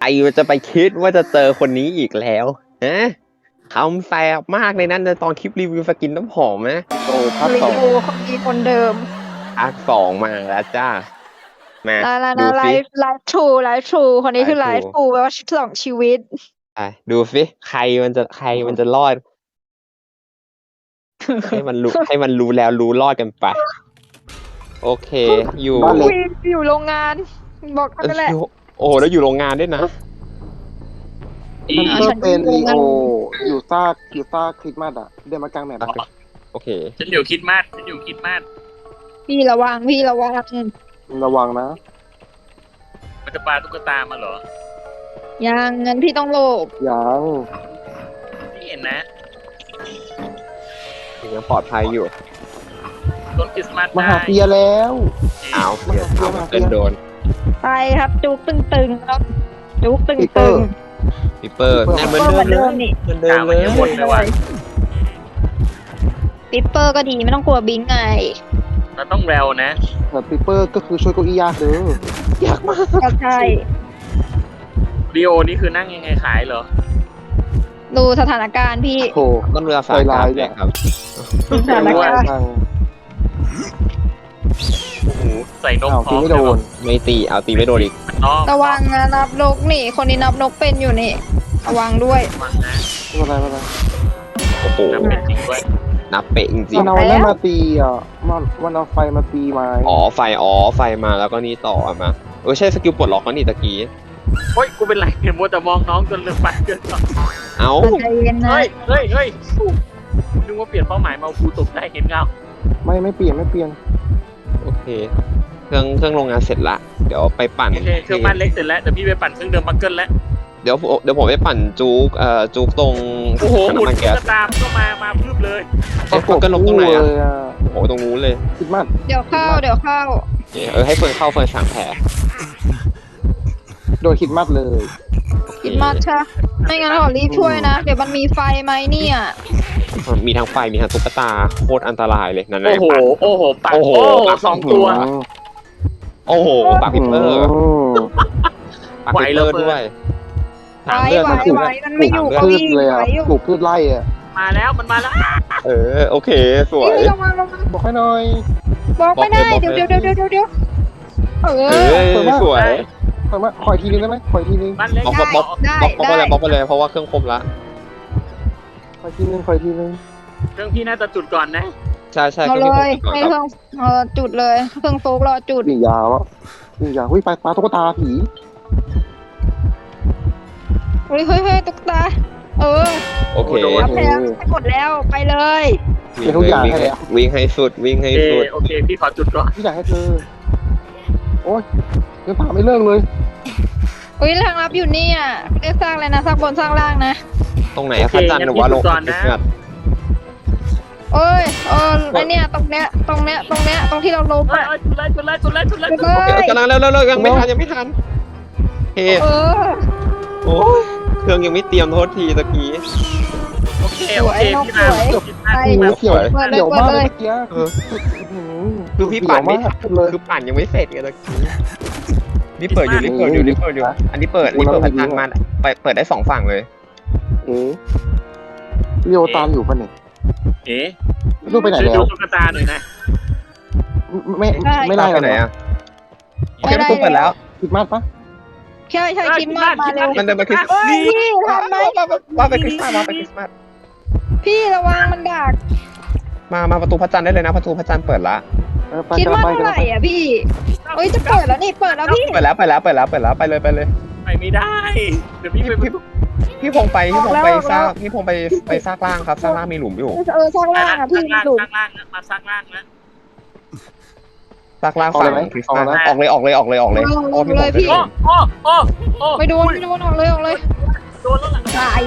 มันจะไปคิดว่าจะเจอคนนี้อีกแล้วฮะคำแสบมากเลยนั่นในตอนคลิปรีวิวสกินน้ำหอมนะโอ้ภาครีสองวิวคนดีคนเดิมภาคสองมาแล้วจ้ามาแล้วดูไลสิฟ์ทรูคนนี้คือไล Live ฟ์ True ทรูแปลว่าสองชีวิตดูสิใครมันจะรอด ให้มันรู้แล้วรู้รอดกันไป โอเค อยู่บ้านเล็กอยู่โรงงาน บอกกันนั่นแหละโอ้โหแล้วอยู่โรงงานด้วยนะมันก็ฉันเป็นงงลีอะโออยู่ซากคริสต์มาสอะเดินมากลางแมปอะโอเคฉันอยู่คิดมาสพี่ระวังระวังนะมันจะปาตุ๊กตามาเหรอยังงั้นพี่ต้องโลภยังไม่เห็นนะยังปลอดภัยอยู่ต้นคริสต์มาสมาได้หาเฟียแล้วอ้าวเดี๋ยวเอามาเกินโดนไปครับจุกตึงๆครับจุกตึปีเตอง ร์ปิเปอร์นั่นๆเหมือนก็เหมือนเดิเดิมมนี่เหมือนเดิมเลยหมดเลยว่ะปิปเปอร์ก็ดีไม่ต้องกลัวบิงไงเราต้องแววนะแต่ปีเปอร์ก็คือช่วยเก้าอี้ยากเด้อยากมากก็ใช่รีโอนี่คือนั่งยังไงขายเหรอดูสถานการณ์พี่โถต้นเรือสายการเลยครับสถานการณ์ทางโอ้โหใส่นกอ้าวพร้ตีอมไม่โดนไม่ตีเอาตีไม่โดนอีกน้องระวังนะนับนกนี่ คนนี้นับนกเป็นอยู่นี่ ระวังด้วยระวังนะไม่เป็นไรไม่เป็นไรโอ้โหนับเป็นจริงด้วยนับเป๊ะจริงมันเอานั่นมาตีอ่ะมันเอาไฟมาตีไม้ๆไฟมาแล้วก็นี่ต่อมาใช่สกิลปลดล็อกแล้วนี่ตะกี้เฮ้ย กูเป็นไรเนี่ยมัวแต่มองน้องจนลืมไปเกินไปเอ้าใจเย็นนะเฮ้ยนึกว่าเปลี่ยนเป้าหมายมาเอากูตกได้เห็นเงาไม่เปลี่ยนโอเค เครื่องโรงงานเสร็จละ เดี๋ยวไปปั่นโอเคเครื่องบ้านเล็กเสร็จแล้ว เดี๋ยวพี่ไปปั่นเครื่องเดิมบังเกิลแล้วเดี๋ยวผมไปปั่นจุกตรงโอ้โหหมุนน้ำมันตุ๊แก๊สกตาก็มาพึบเลยก็ลงตรงไหนเลอ่ะยอ่ะโอ้โหตรงนู้นเลยคริสต์มาสเดี๋ยวเข้าให้เฟิร์นเข้าเฟิร์นสั่งแผลโดนคริสต์มาสเลยกินมาชะไม่งั้นขอรีบช่วยนะ เดี๋ยวมันมีไฟไหมเนี่ยมีทั้งไฟมีทั้งตุ๊กตาโคตรอันตรายเลยนั่นแหโอ้ละโหปักโอ้โหสองตัวโอ้โหปากพิเปอร์ ปากไหวพิเปแล้อวร์เฟิร์นด้วยไหวมันไม่อยู่ถามก็เลือดวิ่งเลยไหวอ่ะอยู่ปลูกพืชไร่อ่ะมาแล้วมันมาแล้วโอเคสวยนี่ระวังบอกให้หน่อยบอกไม่ได้บอกเดี๋ยวเลยเออสวยขออีกทีนึงได้ไหมขออีกทีนึงบ้านเล็กบล็อกได้บล็อกไปเลยเพราะว่าเครื่องครบละขออีกทีนึงเครื่องพี่น่าจะจุดก่อนนะใช่เอาเคเลรื่องยที่ผมให้ก่อนเครื่องจุดเลยเครื่องโฟกรอจุดวิ่งยาวอ่ะวิ่งปลาตุ๊กตาผีเฮ้ยตุ๊กตาโอเครับแล้วให้หมดแล้วไปเลยวิ่งให้สุดวิ่งให้สุดโอเคพี่ขอจุดก่อนพี่อยากให้เธอโอ๊ยยังถามไม่เลิกเลยอุ้ยทางรับอยู่นี่อ่ะเรียกสร้างเลยนะสร้างบนสร้างล่างนะตรงไหนพระจันทร์หรือว่าลงคริสต์มาสโอ้ยไอเนี่ยตรงเนี้ยตรงที่เราล้มอ่ะจุดเลยกำลังเร็วยังไม่ทันเฮ้ โอ้ยเครื่องยังไม่เตรียมโทษทีตะกี้โอเคพี่มาเขียวมากเลยเมื่อกี้คือพี่ปั่นไม่ทันเลยคือปั่นยังไม่เสร็จไงตะกี้นี่เปิดอยู่อันนี้เปิดพระจันทร์มาเปิดได้2ฝั่งเลยเรียวตามอยู่ป่ะเนี่ยเอ๊ะลูกไปไหนช่วยแล้ดูวตุ๊กตาหน่อยนะไม่ได้ไปไหนอ่ะโอเคประตูเปิดแล้วคิดมากปะใช่คิดมากมาเร็วมันเดินไปคริสต์เฮ้ยพี่ทันไหมว่าไปคริสต์มาสพี่ระวังมันดักมาประตูพระจันทร์ได้เลยนะประตูพระจันทร์เปิดละคิดมากเท่าไหร่อ่ะพี่เฮ้ยจะเปิดแล้วนี่เปิดแล้วพี่เปิดแล้วไปเลยไปเลยไปไม่ได้เดี๋ยวพี่ไปพี่พงไปซากล่างครับซากล่างมีหลุมอยู่สร้างล่างอ่ะพี่หลุมสร้างล่างมาสร้างล่างนะซากล่างฝั่งคริสต์มาสออกเลยพี่โอ้ไม่โดนออกเลยโดนแล้วล่ะตาย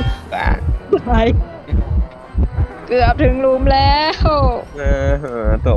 เกือบถึงหลุมแล้วโต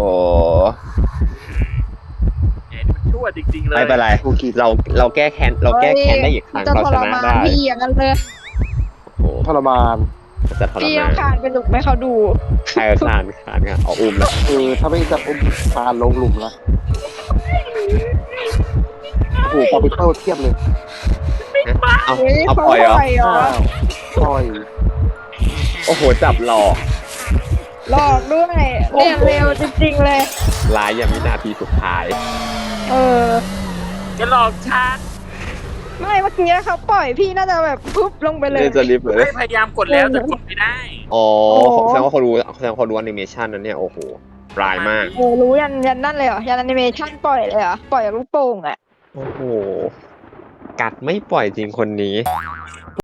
ชั่วจริงๆเลยไม่เป็นไรเราแก้แค้นได้อีกครั้งเราชนะได้พี่อย่างนั้นเลยทรมานจะทรพี่มาเอานคานไปหลุมให้เขาดูใครคานกันเอาอุ้มแล้วถ้าไม่จะอุ้มตาลงหลุมละโอ้โหปาปิเปิลเทียบเลยเอาเฮ้ยเอาเขาปล่อยเหรอปล่อยเหรอปล่อยโอ้โหจับหลอกหลอกด้วยเนี่ยเร็วจริงๆเลยลายอย่างวินาทีสุดท้ายเออจะหลอกฉันไม่เมื่อกี้เขาปล่อยพี่น่าจะแบบปุ๊บลงไปเลยนี่จะรีบเลยไม่พยายามกดแล้วแต่กดไม่ได้อ๋อโอ้โหแสดงว่าเขารู้แสดงว่าเขารู้แอนิเมชันนั้นเนี่ยโอ้โหรายมากโอ้รู้ยันนั่นเลยเหรอยันแอนิเมชันปล่อยเลยเหรอปล่อยจากลูกโป่งอ่ะโอ้โหกัดไม่ปล่อยจริงคนนี้